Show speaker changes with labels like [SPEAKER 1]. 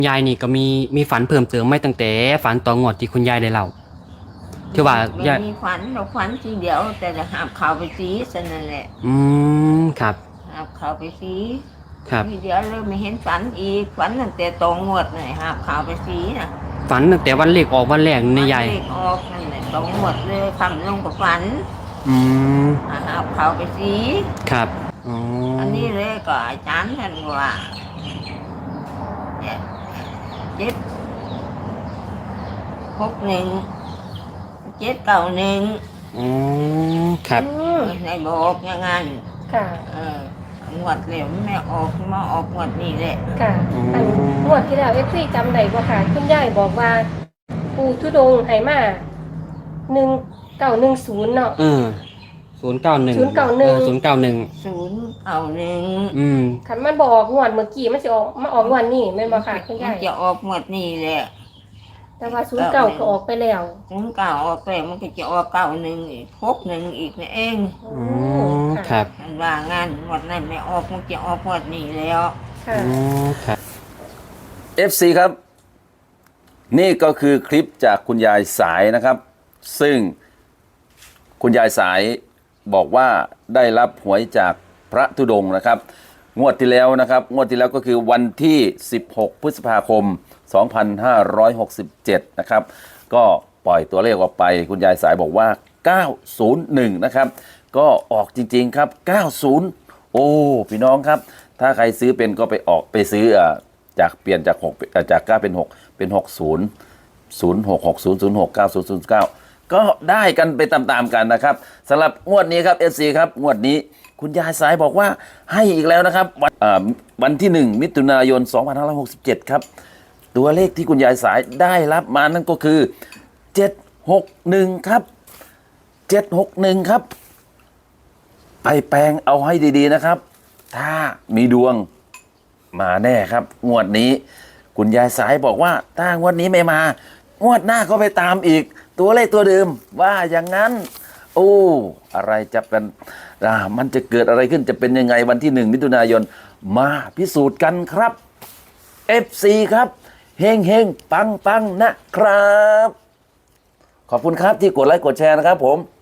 [SPEAKER 1] ยายนี่ก็มีฝันเพิ่มเติมไม่ตั้งแต่ฝันต่องวดที่คุณยายได้เล่าที่ว่ายาย
[SPEAKER 2] มีฝันเราฝันทีเดียวแต่จะหาบเขาไปสีสนั่นแหละ
[SPEAKER 1] ครับ
[SPEAKER 2] หาบเขาไปสี
[SPEAKER 1] ครับ
[SPEAKER 2] ทีเดียวเลยไม่เห็นฝันอีกฝันตั้งแต่ตรงงวดเลยหาบเขาไปสีนะ
[SPEAKER 1] ฝันตั้งแต่วันเลขออกวันแรกนี่ยาย
[SPEAKER 2] เลขออกนั่นแหละตรงงวดเลยคำลงกับฝัน
[SPEAKER 1] อืม
[SPEAKER 2] หาบเขาไปสี
[SPEAKER 1] ครับอ๋อ
[SPEAKER 2] อันนี้เลยก็อาจารย์ท่านว่า761 791
[SPEAKER 1] อ๋อครับ
[SPEAKER 2] ในบอกอย่างนั้น
[SPEAKER 3] ค่ะ
[SPEAKER 2] งวดเหลวไม่ออกมาออกงวดนี้แหละ
[SPEAKER 3] ค่ะอันงวดที่แล้วจำได้บ่ค่ะคุณยายบอกว่าปู่ธุดงค์ให้มา1910เนาะ
[SPEAKER 1] 091
[SPEAKER 3] คันมันบอกงวดเมื่อกี้มันสิออกมาออกงวดนี้แม่นบ่ค่ะคุณยาย
[SPEAKER 2] จะออกงวดนี้แหละ
[SPEAKER 3] แต่ว่า09ก็ออกไปแล้ว
[SPEAKER 2] 09ออกแล้วมันก็จะออก91อีก61อีกนี่เอง
[SPEAKER 1] ครับ
[SPEAKER 2] ว่างานงวดนั้นไม่ออกมันจะออกงวดนี้แล้ว
[SPEAKER 3] ค่ะ
[SPEAKER 1] ครับ
[SPEAKER 4] FC ครับนี่ก็คือคลิปจากคุณยายสายนะครับซึ่งคุณยายสายบอกว่าได้รับหวยจากพระธุดงค์นะครับงวดที่แล้วนะครับงวดที่แล้วก็คือวันที่16พฤษภาคม2567นะครับก็ปล่อยตัวเลขออกไปคุณยายสายบอกว่า901นะครับก็ออกจริงๆครับ90โอ้พี่น้องครับถ้าใครซื้อเป็นก็ไปซื้อจากเปลี่ยนจาก6จาก9เป็น6เป็น60 0660 06 9009ก็ได้กันไปตามๆกันนะครับสำหรับงวดนี้ครับ FC ครับงวดนี้คุณยายสายบอกว่าให้อีกแล้วนะครับวันที่1มิถุนายน2567ครับตัวเลขที่คุณยายสายได้รับมานั่นก็คือ761ครับ761ครับไปแปลงเอาให้ดีๆนะครับถ้ามีดวงมาแน่ครับงวดนี้คุณยายสายบอกว่าถ้างวดนี้ไม่มางวดหน้าก็ไปตามอีกตัวเลขตัวเดิมว่าอย่างนั้นโอ้อะไรจะเป็นมันจะเกิดอะไรขึ้นจะเป็นยังไงวันที่1มิถุนายนมาพิสูจน์กันครับ FC ครับเฮงเฮงปังปังนะครับขอบคุณครับที่กดไลค์กดแชร์นะครับผม